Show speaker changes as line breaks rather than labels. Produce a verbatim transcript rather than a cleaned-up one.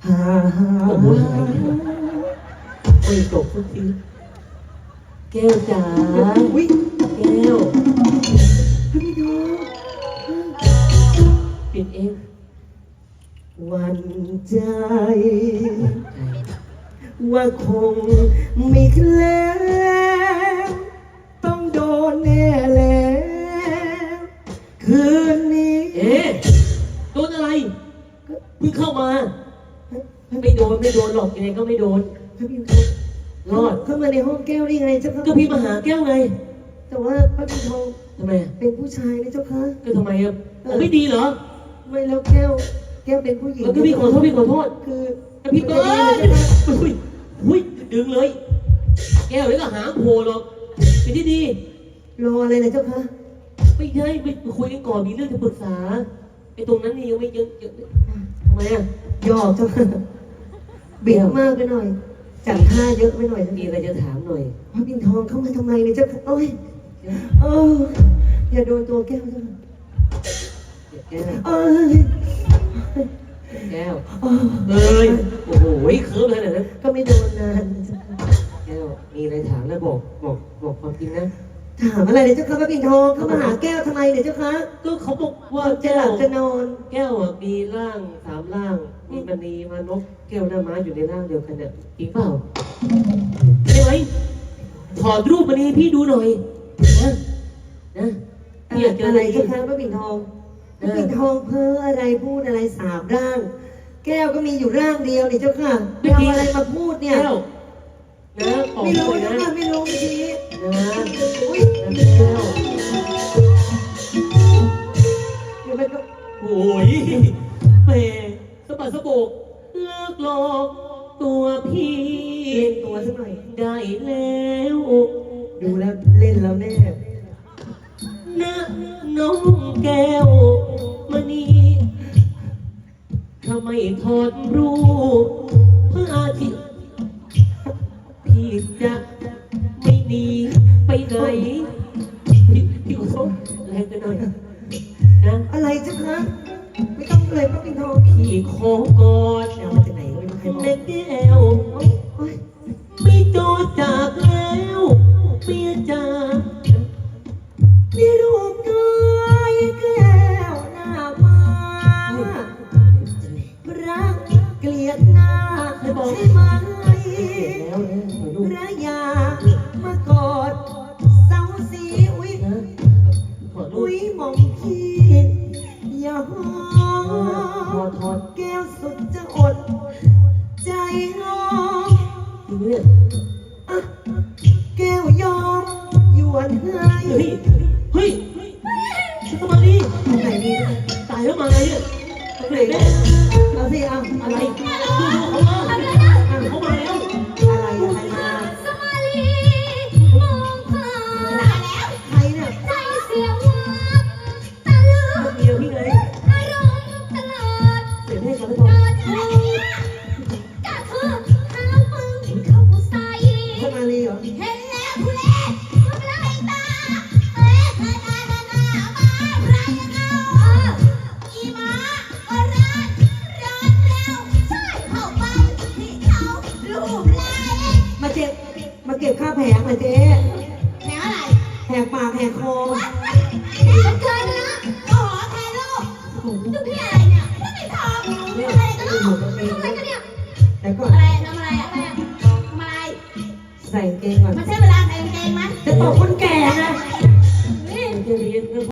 หาโอ้โหไม่ตกสักทีแก้วจ๋าอุ้ยแก้วพี่น้องปิดเองวันใจว่าคงไม่เคล้วต้องโดนแน่แล้วคืนนี้เอ๊ะโดนอะไรเพิ่งเข้ามาไม่โดนไม่โดนหรอกยังไงก็ไม่โดนรอดเข้ามาในห้องแก้วได้ไงเจ้าค่ะก็พี่มาหาแก้วไงแต่ว่าพระพิมทองทำไมเป็นผู้ชายนะเจ้าค่ะก็ทำไมอ่ะไม่ดีเหรอไม่แล้วแก้วแก้วเป็นผู้หญิงก็พี่ขอโทษพี่ขอโทษคือพี่เบิร์ดอุ้ยอุ้ยดึงเลยแก้วเลยก็หางโผล่หรอกเป็นที่ดีรออะไรนะเจ้าคะไม่ใช่ไปคุยกันก่อนมีเรื่องจะปรึกษาไอ้ตรงนั้นนี่ยังไม่เยอะเยอะทำไมอ่ะยอกเจ้าค่ะเบี่ยงมากไปหน่อยจัดท่าเยอะไปหน่อยมีอะไรจะถามหน่อยพระปิ่นทองเข้ามาทำไมเนี่ยเจ้าค่ะโอ้ยโอ้อย่าโดนตัวแก้วเจ้าค่ะแก้วเอ้ยแก้วเอ้ยโอ้โหเคิร์ฟเลยนะก็ไม่โดนนานแก้วมีอะไรถามแล้วบอกบอกบอกความจริงนะถามอะไรเนี่ยเจ้าค่ะพระปิ่นทองเขามาหาแก้วทำไมเนี่ยเจ้าค่ะก็เขาบอกว่าจะหลับจะนอนแก้วมีร่างสามร่างมีมณีมานพแก้วหน้าม้าอยู่ในร่างเดียวกันเนี่ยจริงเปล่าใช่ไหมถอดรูปมณีพี่ดูหน่อยนะนะพี่อยากเจออะไรเจ้าค่ะพระปิ่นทองพระปิ่นทองเพ้ออะไรพูดอะไรสามร่างแก้วก็มีอยู่ร่างเดียวนี่เจ้าค่ะไม่เอาอะไรมาพูดเนี่ยนะไม่รู้นะไม่รู้ทีนี้นะอุ้ยแก้วเดี๋ยวมันก็โอ้ยแหมสะบัดสะโบกเลิกหลอกตัวพี่เล่นตัวสักหน่อยได้แล้วดูแล้วเล่นแล้วแน่นะน้องแก้วมณีทำไมถอดรูปพระอาทิตย์พี่จะไม่หนีไปไหนพี่พี่ขอโทษแรงไปหน่อยนะอะไรจ้ะคะไม่ต้องเลยพระปิ่นทองพี่ขอกอดเอามาจากไหนไม่รู้ใครบอกแม่แก้วไม่โดนจากแล้วเมียจ๋ามีรูปกายแก้วหน้ามารักเกลียดหน้าใช่ไหมพระยามากอดเสาสีอุ้ยอุ้ยมองพี่อย่าหอดแก้วสุดจะอดใจร้องอ่ะแก้วยอมหยวนให้เฮ้ยเฮ้ยทำไมดิไหนดีตายแล้วมาไงเนี่ยไหนแม่เอาสิเอาอะไรดูดูเขามาเขามาแล้วอะไรอะไรมาสมาลีมองผ่านแล้วใครเนี่ยใจเสียวับตะลึงเดียวพี่เลยอารมณ์ตลอดเสียงเพลงกันไม่พอก็คือเท้ามึงเข้าใส่สมาลีเหรอเห็นแล้วทุเรศทำไรตาเอ๊ะใครใครใครใครมาใครเอาอีมาก็ร้านร้านแล้วใช่เข้าไปที่เขาลูบไล่มาเจ็บมาเก็บค่าแผงมาเจ๊แผงอะไรแผงปากแผงคอมันเกินนะขอแทนลูกจุดที่อะไรเนี่ยไม่ได้ทำอะไรกันลูกทำอะไรกันเนี่ยแต่ก็อะไรทำอะไรอะไรทำอะไรใส่เกงก่อนมันใช่เวลาใส่เกงไหมจะตกคนแก่นะ